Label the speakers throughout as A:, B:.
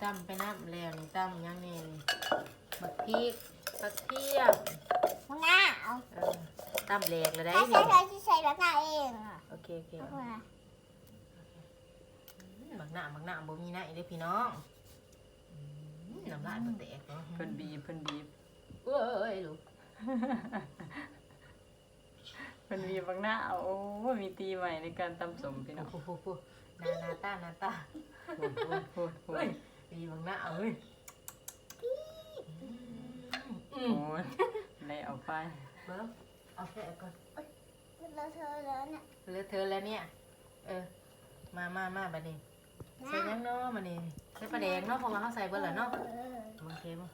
A: ำไปน้ำแล้วนี่ตำยังนี่บักพริกกระเทียม
B: มึงอ่ะเอา
A: ตำแหลกแล้วได้
B: ถ้า
A: นี่
B: ใส่แบบหน้าเองอ่ะ
A: โอเค
B: เอามา
A: บักหน้าบ่มีหน้าอีเด้อพี่น้องน้ำลายมันแตกเนาะ
C: เพิ่นบีบ
A: เอ้ยลูก
C: เพิ่นบีบบางหน้าโอ้มีตีใหม่ในการตำสมพี่น้อง
A: โอ้โหนาตา
C: โอ้
A: เฮ้ยมีบักหน้าเอ้ย
C: โหได้เอาไป
A: เบิ้มเอาแค่ก่อน
B: เราเธอแล้วเนี่ย
A: เลอะเทอะแล้วเนี่ยมาบัดนี้ใส่ยังเนาะบัดนี้ใส่ปลาแดงเนาะเพราะว่าเขาใส่เบิ้ลแล้วเนาะโอเคมั้ง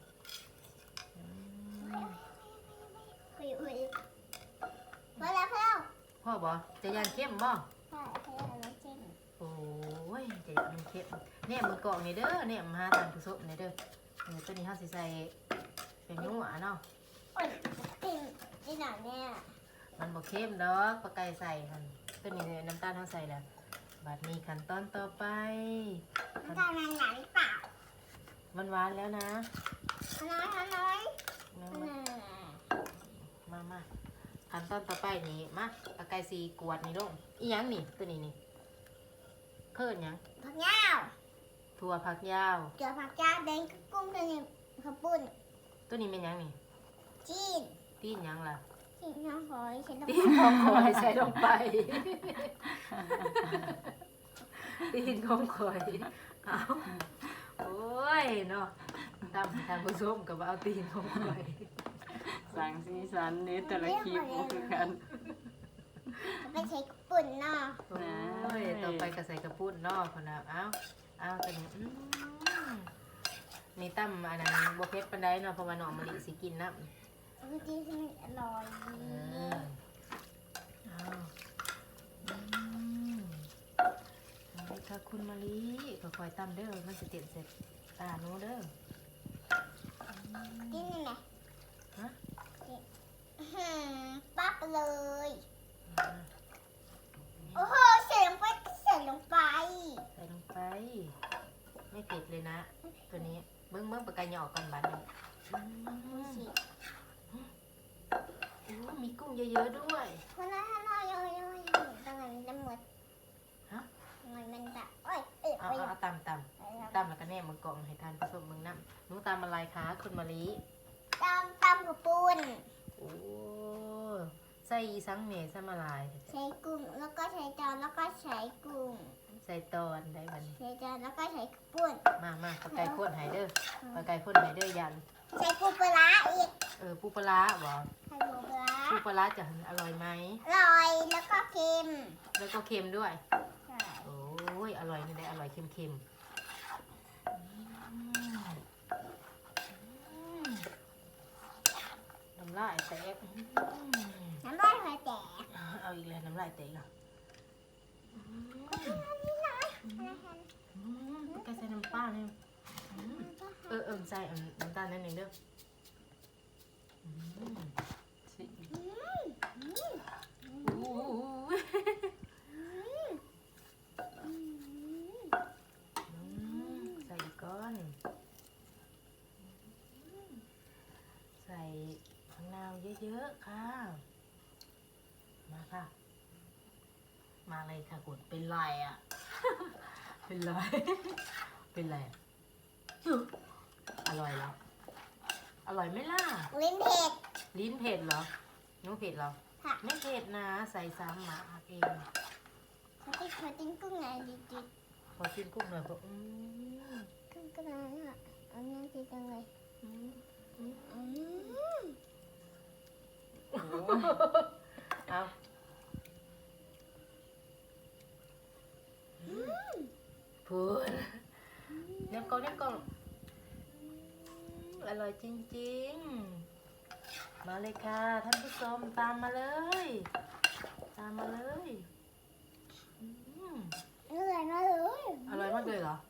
B: อุ้ยพอแล้ว
A: พ่อบอกจะยานเข้มบ่
B: ใช่พอแล้วจริง
A: โอ้ยจะยานเข้มเนี่ยมือกล่องนี่เด้อเนี่ยมาหาทานผู้ชมนี่เด้อตัวนี้เขาสิใส่เป็นยุ่งอ่ะเนาะ
B: โอ้ยจริงจริงหน่อยเนี่ย
A: มันบ่เข้มดอกปลาไก่ใส่หั่นตัวนี้น้ำตาลเขาใส่แล้วบัดนี้ขั้นตอนต่อไป
B: มันจะนานหนาหรือเปล่า
A: มันหวานแล้วนะ
B: น้อย
A: มาขั้นตอนต่อไปนี่มาปลาไก่สีกวดนี่ลงอีหยังนี่ตัวนี้นี่เพิ่นหยัง
B: ผักยาว
A: ถั่วผักยาว
B: เกี่ยวผักยาวแดงกุ้งตัวนี้ข้าวปุ้น
A: ตัวนี้เป็นหยังนี่
B: จีน
A: ตีนหยังล่ะ
B: จีนน้ำหอยใช้น้ำ
A: ตีนของคอยใส่ลงไปตีนของคอยเอาโอ้ยเนาะทำผู้ชมกับเอาตีนของคอย
C: สั่งสีสันนี้แต่ละคลิปบ่คือกัน
B: ไปใช้ข้าวปุ้นเนาะ
A: โอ้ยต่อไปก็ใส่กระปุ้นเนอกคนละเอาตัวนี้นี่ตั้มอันนั้นบวเพชรปันไดเนาะเพราะว่าน้องมะลิสิกินน้ำ
B: คือจีนมันอร่อย
A: เอานี่ค่ะคุณมะลิก็คอยตั้มเด้อมันจะเตียนเสร็จตาหนูเด้อ
B: จีนนี่ไง
A: ฮะ
B: ปั๊บเลยโอ้โหใส่ลงไปใส่ลงไป
A: ใส่ลงไป ไม่เผ็ดเลยนะ ตัวนี้เบิ้งปากกาหยอกกันบัดนี้มีกุ้งเยอะๆด้วย
B: คนละน้อยตรงไหนมันจะหมด
A: ฮะ
B: มันจะโอ้ย
A: เอาตำแล้วก็แนบมือกล่องให้ทานผสมมึงน้ำหนูตำอะไรคะคุณมะลิ
B: ตำกับปูน
A: โอ้ใส่อีสังเมใส่มาลาย
B: ใช้กุ้งแล้วก็ใช้จานแล้วก็ใช้กุ้ง
A: ใส่ตอนได้บัดน
B: ใช้จานแล้วก็ใช้ปูน
A: มาปลาไก่ข้นไฮเดอร์ปลาไก่ข้นไฮเดอร์ยัน
B: ใช้ปูปลาอีก
A: ปูปลาร้าบ่
B: ใช้ปูปลา
A: ปูปลาร้าจะอร่อยไหม
B: อร่อยแล้วก็เค็ม
A: แล้วก็เค็มด้วย
B: ใช่
A: โอ้ยอร่อยนี่ได้อร่อยเค็มน้ำลายแตก
B: น้ำลายหัวแตก
A: เอาอีกแล้วน้ำลายแตกอ่ะแกใส่น้ำปลาเนี่ยใส่น้ำตาลนิดนึงเด้อ
C: สิ
A: ใส่ก้อนใส่มะนาวเยอะๆค่ะมาค่ะมาเลยค่ะคุณเป็นไรอ่ะ เป็นไรเป็นไรอร่อยแล้วอร่อยไหมล่ะ
B: ลิ้นเผ็ด
A: ลิ้นเผ็ดเหรอน้องเผ็ดเหรอ
B: ค่ะ
A: ไม่เผ็ดนะใส่ซ้ำหมาเอง
B: เขาติ้งกุ้งไงดิ
A: พอกินกุ้งหน่อยก็
B: กุ้งก็ได้อ่ะอันนี้ดีจังเลย
C: โอ้
A: เอาพูดเดี๋ยวก่อนอร่อยจริงๆมาเลยค่ะท่านผู้ชมตามมาเลยอร่อยมากเลย
B: อร่อยมากเลย
A: อร่อยมากเลยเหรอ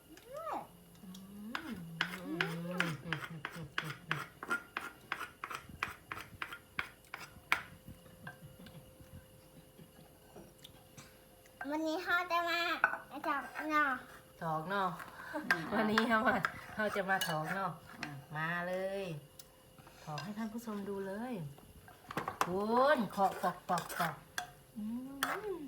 B: วันนี้เขาจะมาจับเนาะ
A: ถอกเนาะ
B: ใช่
A: วันนี้เราจะมาถอกเนาะมาเลยถอกให้ท่านผู้ชมดูเลยคุณเคาะปอกอืม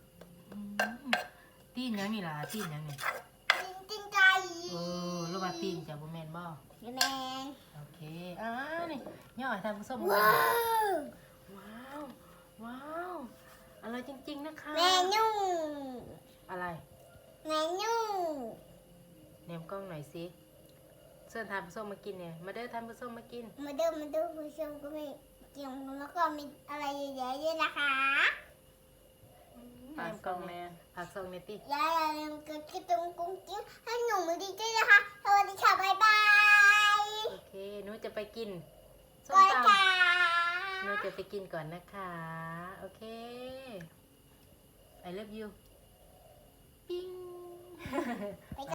A: ตีนยังนี่ล่ะตีนยังนี่
B: จริงใจ
A: รู้ว่าตีนจะบ่แม่นบ่
B: แมง
A: โอเคนี่ย่อให้ท่านผู้ชม
B: ว้าว
A: ว้าวอะไรจริงๆนะคะ
B: แมนู
A: อะไร
B: แมนู
A: เนมกล้องหน่อยสิเชิญท่านผู้ชมมากินเนี่ยมาเด้อท่านผู้ชมมากิน
B: มาดูผู้ชมก็มีเกี่ยวแล้วก็มีอะไรเยอะๆด้วยนะคะ
C: ปากกล้องแม่
A: ผักซองเนตี้
B: อย่าลืมกดกระตุ้งกุ้งกิ้งให้หนูมือดีด้วยนะคะสวัสดีค่ะบ๊ายบาย
A: โอเคหนูจะไปกินส้ม
B: บ๊าย
A: ต
B: บาย
A: ำหนูจะไปกินก่อนนะคะ โอเค I love you ปิ้ง